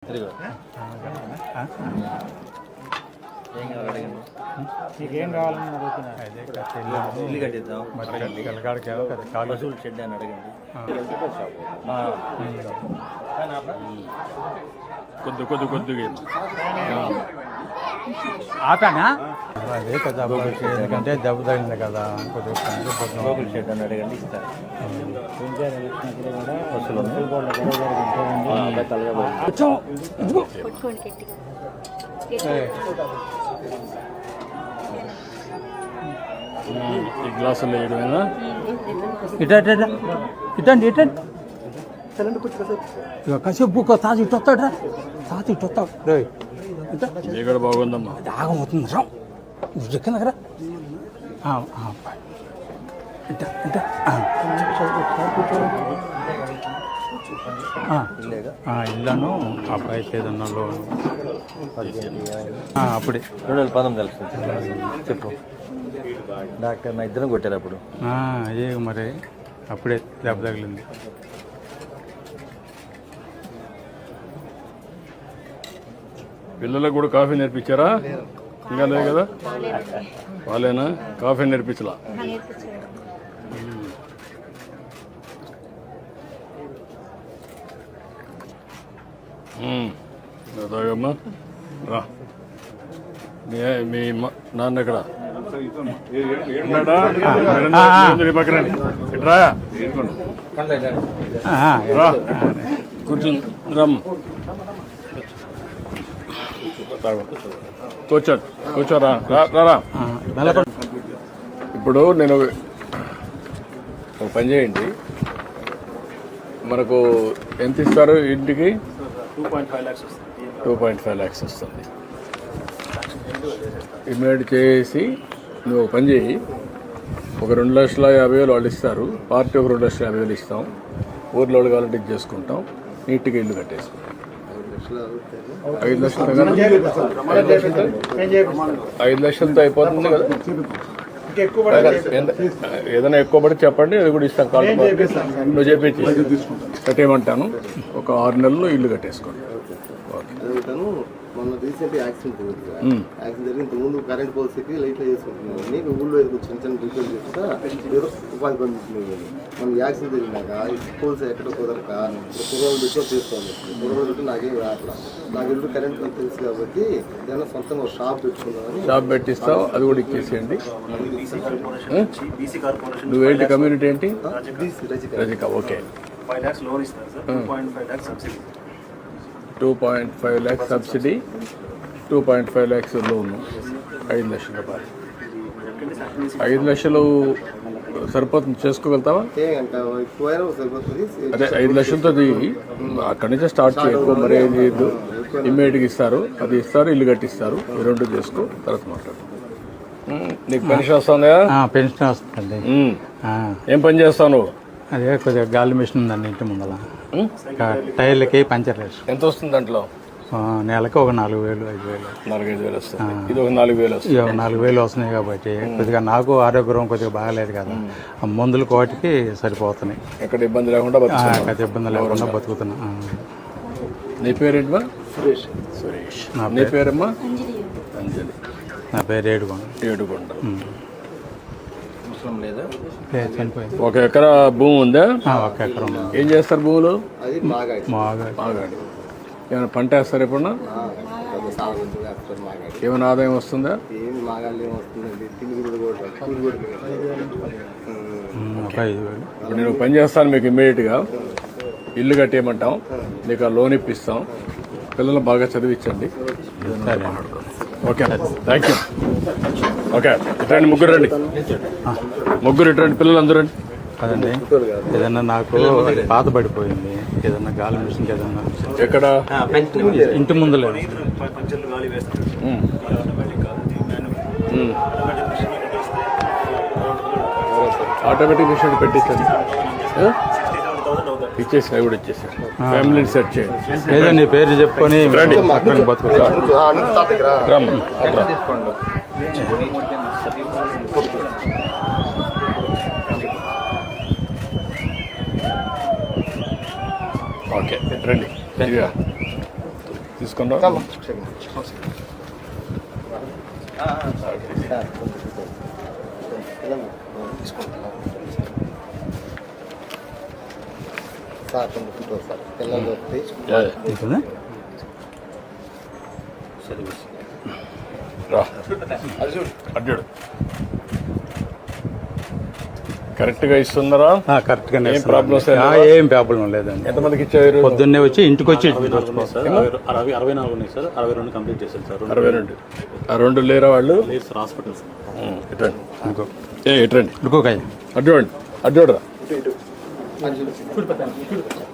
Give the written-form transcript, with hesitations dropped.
నీకేం కావాలని అడుగుతున్నారు? ఇల్లు కట్టిద్దాం, పశువుల షెడ్ అని అడగండి. కొద్దిగా ఆపానా? అదే కదా, ఎందుకంటే దెబ్బ తగిలింది కదా, కొద్దిగా షెడ్ అని అడగండి, ఇస్తారు. ఈ గ్లాసులు వేయడమేనా? ఇటండి కాసేపు తాత ఇటు వస్తాడు, తాత ఇటు వస్తాడు. ఇక్కడ బాగుందమ్మా, దాగం అవుతుంది రా, కింద కదా. ఇల్లను అబ్బాయి ఏదన్నా లోన్ అప్పుడే 2019 చెప్పు. డాక్టర్ నా ఇద్దరం కొట్టారు అప్పుడు. అదే మరి అప్పుడే దెబ్బ తగిలింది. పిల్లలకు కూడా కాఫీ నేర్పించారా? ఇంకా లేదు కదా, వాళ్ళేనా కాఫీ నేర్పించలా? తాగమ్మా, రా. మీ నాన్న ఎక్కడ పక్కన కూర్చుని రమ్మ, కూర్చోరా. ఇప్పుడు నేను ఒక పని చేయండి, మనకు ఎంత ఇస్తారు ఇంటికి? 2.5 lakhs వస్తుంది. ఇమ్మీడియట్ చేసి నువ్వు ఒక పని చేయి, ఒక 2,50,000 వాళ్ళు ఇస్తారు, పార్టీ ఒక 2,50,000 ఇస్తాం, ఊర్లో వాళ్ళు కావాలంటే ఇది చేసుకుంటాం, నీట్గా ఇల్లు కట్టేసుకుంటాం. 5 లక్షలతో అయిపోతుంది కదా. ఏదైనా ఎక్కువ పడి చెప్పండి, అది కూడా ఇస్తాం. కాల్ నువ్వు చెప్పించి కట్టేయమంటాను. ఒక 6 నెలల్లో ఇల్లు కట్టేసుకోండి. మొన్న రీసెంట్ యాక్సిడెంట్ జరిగి ఇంతకుముందు కరెంట్ పోల్స్కి లైట్లు చేసుకుంటున్నాను. ఊళ్ళో చిన్న చిన్న రిపేర్ చేస్తా ఏదో ఉపాధి పొందుతున్నాయి. మన యాక్సిడెంట్ జరిగినాక పోల్స్ ఎక్కడో కుదరక కుర్రోలు పెట్టుకో చేసుకోవాలి. కుర్రోలు పెట్టి నాకేం రావట్లా. నాకు ఇల్లు కరెంట్ తెలుసు కాబట్టి ఏదైనా సొంతంగా షాప్ పెట్టుకున్నామని. షాప్ పెట్టిస్తావు, అది కూడా ఇచ్చేసేయండి. నువ్వేంటి కమ్యూనిటీ ఏంటి? రజిక. ఓకే, 5 lakhs లోన్ ఇస్తారు sir, 2.5 lakhs subsidy. 2.5 lakhs subsidy, 2.5 lakhs loan, 5 లక్షల రూపాయలు. 5 లక్షలు సరిపోతుంది, చేసుకోగలుగుతావా? అదే 5 లక్షలతో అక్కడి నుంచే స్టార్ట్ చేయకు, మరి ఏం చేయొద్దు. ఇమ్మీడియట్గా ఇస్తారు, అది ఇస్తారు, ఇల్లు కట్టిస్తారు. ఈ 2 చేసుకో, తర్వాత మాట్లాడు. నీకు పెన్షన్ వస్తుందా? పెన్షన్ వస్తుంది. ఏం పని చేస్తావు నువ్వు? అదే కొద్దిగా గాలి మిషన్ ఉందండి ఇంటి ముందర, టైర్లకి పంచర్ వేసి. ఎంత వస్తుంది దాంట్లో? నెలకి ఒక 4,000 5,000. 4-5 వస్తుంది. ఇది ఒక 4,000 వస్తుంది. 4,000 వస్తున్నాయి కాబట్టి కొద్దిగా నాకు ఆరోగ్యం కొద్దిగా బాగాలేదు కదా, మందులు కోటికి సరిపోతున్నాయి. ఎక్కడ ఇబ్బంది లేకుండా ఇబ్బంది లేకుండా బతుకుతున్నా. నీ పేరేంటమ్మా? సురేష్. నీ పేరమ్మా? అంజలి. నా పేరు ఏడుకొండ. లేదా చనిపోయింది. 1 ఎకరా భూమి ఉందా? 1 ఎకరం. ఏం చేస్తారు భూములు? మాగాడి. ఏమైనా పంట వేస్తారు ఎప్పుడన్నా? ఏమైనా ఆదాయం వస్తుందా? ఒక 5,000. ఇప్పుడు నేను పని చేస్తాను, మీకు ఇమ్మీడియట్గా ఇల్లు కట్టేయమంటాం, నీకు ఆ లోన్ ఇప్పిస్తాం, పిల్లలు బాగా చదివించండి. సరే, ఓకే, థ్యాంక్ యూ. ఓకే, ఇట్రండి, ముగ్గురు రండి, ఇట్రండి, పిల్లలు అందరూ రండి. కదండి, ఏదన్నా నాకు పాత పడిపోయింది, ఏదన్నా గాలి మిషన్ ఏదన్నా. ఎక్కడ? ఇంటి ముందులే. ఆటోమేటిక్ మిషన్ పెట్టించండి, ఇచ్చేసి అవి కూడా ఇచ్చేసారు. ఫ్యామిలీని సెట్ చేయండి. ఏదో నీ పేరు చెప్పుకొని బతుకుతా. ఓకే, రండి. తీసుకున్నాం సార్ కొంచెం ఫోటో సార్ పిల్లలు వస్తే తీసుకుందా రా అడ్డాడు కరెక్ట్గా ఇస్తున్నారా? కరెక్ట్గానే ఏం ప్రాబ్లమ్స్ ఏం ప్రాబ్లం లేదండి. ఎంతమందికి ఇచ్చారు? పొద్దున్నే వచ్చి ఇంటికి వచ్చి 64 ఉన్నాయి సార్, 62 కంప్లీట్ చేశారు సార్. 62 ఆ 2 లేరా వాళ్ళు? లేదు సార్, హాస్పిటల్ సార్. ఇటండి ఇంకొక అడ్డు అడ్డు రా. ఇటు